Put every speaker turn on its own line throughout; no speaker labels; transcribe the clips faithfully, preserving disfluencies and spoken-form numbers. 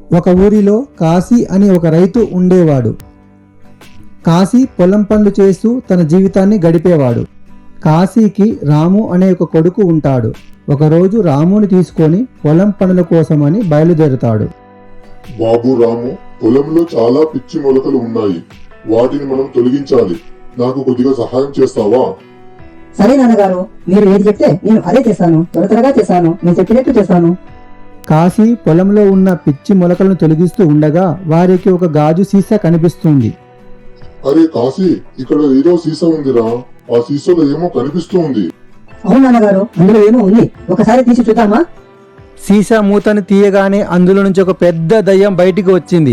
ఒక ఊరిలో కాశీ అనే ఒక రైతు ఉండేవాడు. కాశీ పొలం పనులు చేస్తూ తన జీవితాన్ని గడిపేవాడు. కాశీకి రాము అనే ఒక కొడుకు ఉంటాడు. ఒకరోజు రాముని తీసుకొని పొలం పనుల కోసమని బయలుదేరుతాడు.
బాబు రాము, పొలంలో చాలా పిచ్చి మొలకలు ఉన్నాయి. వాటిని మనం తొలగించాలి. నాకు కొద్దిగా సహాయం చేస్తావా?
సరే నాన్నగారు, మీరు ఏది చెప్తే నేను అదే చేస్తాను. త్వర త్వరగా చేస్తాను. నేను చెప్పినట్టు చేస్తాను.
కాశీ పొలంలో ఉన్న పిచ్చి మొలకలను తొలగిస్తూ ఉండగా వారికి ఒక గాజు సీసా కనిపిస్తుంది.
అరే కాశీ, ఇక్కడ ఏదో సీసా ఉందిరా. ఆ సీసాలో ఏమో కనిపిస్తూ ఉంది.
అవును నాన్నగారు, అందులో ఏమో ఉంది. ఒకసారి తీసి చూద్దామా?
సీసా మూతను తీయగానే అందులో నుంచి ఒక పెద్ద దయ్యం బయటికి వచ్చింది.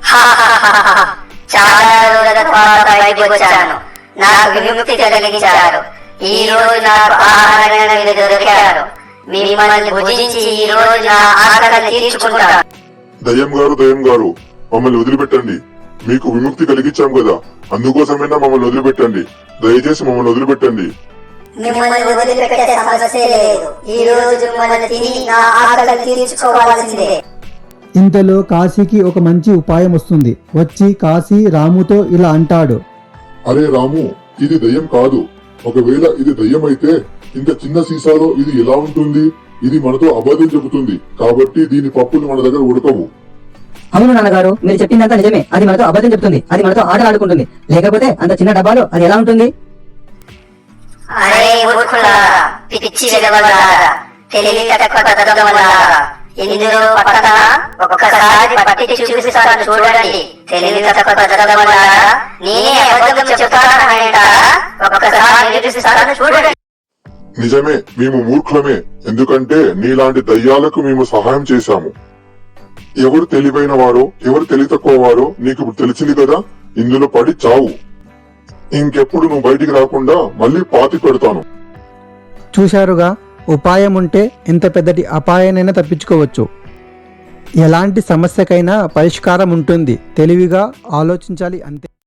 చాలా రోజుల తర్వాత బయటకు వచ్చాను. నాకు విముక్తి కలిగించారు. ఈ రోజు నాకు ఆహారంగా మీరు దొరికారు. మిమ్మల్ని భుజించి ఈ రోజు నా ఆకలిని తీర్చుకుంటాను.
దయ్యం గారు దయ్యం గారు మమ్మల్ని వదిలిపెట్టండి. మీకు విముక్తి కలిగించాం కదా, అందుకోసమైనా మమ్మల్ని వదిలిపెట్టండి. దయచేసి మమ్మల్ని వదిలిపెట్టండి.
మిమ్మల్ని వదిలిపెట్టే సమస్య లేదు. ఈ రోజు మిమ్మల్ని తిని నా ఆకలిని తీర్చుకోవాల్సిందే.
ఇంతలో కాశీకి ఒక మంచి ఉపాయం వస్తుంది. వచ్చి కాశీ రాముతో ఇలా అంటాడు.
అరే రాము, ఇది దయ్యం కాదు. ఒకవేళ ఇది దయ్యం అయితే ఇంత చిన్న సీసాలో ఇది ఎలా ఉంటుంది? ఇది మనతో అబద్ధం చెబుతుంది. కాబట్టి దీని పప్పులు మన దగ్గర ఉడకవు.
అవును నాన్నగారు, మీరు చెప్పిందంతా నిజమే. అది మనతో అబద్ధం చెప్తుంది. అది మనతో ఆటలు ఆడుకుంటుంది. లేకపోతే అంత చిన్న డబ్బాలో అది ఎలా ఉంటుంది?
అరే మూర్ఖులారా, పిచ్చి వెదవలారా, తెలివి తక్కువ తత్వములారా, ఇందులో పట్టణ ఒక్కసారి పట్టి చూపిస్తాను చూడండి. తెలివి తక్కువ తత్వములారా, నేనే అబద్ధం చెప్తానంటారా? ఒక్కసారి నిరూపిస్తాను చూడండి.
నిజమే, మేము మూర్ఖులమే. ఎందుకంటే నీలాంటి దయ్యాలకు మేము సహాయం చేశాము. ఎవరు తెలివైన వారో ఎవరు తెలివి తక్కువ వారో నీకు ఇప్పుడు తెలిసింది కదా. ఇందులో పడి చావు. ఇంకెప్పుడు నువ్వు బయటికి రాకుండా మళ్ళీ పాతి పెడతాను.
చూశారుగా, ఉపాయం ఉంటే ఎంత పెద్దటి అపాయానైనా తప్పించుకోవచ్చు. ఎలాంటి సమస్యకైనా పరిష్కారం ఉంటుంది. తెలివిగా ఆలోచించాలి అంతే.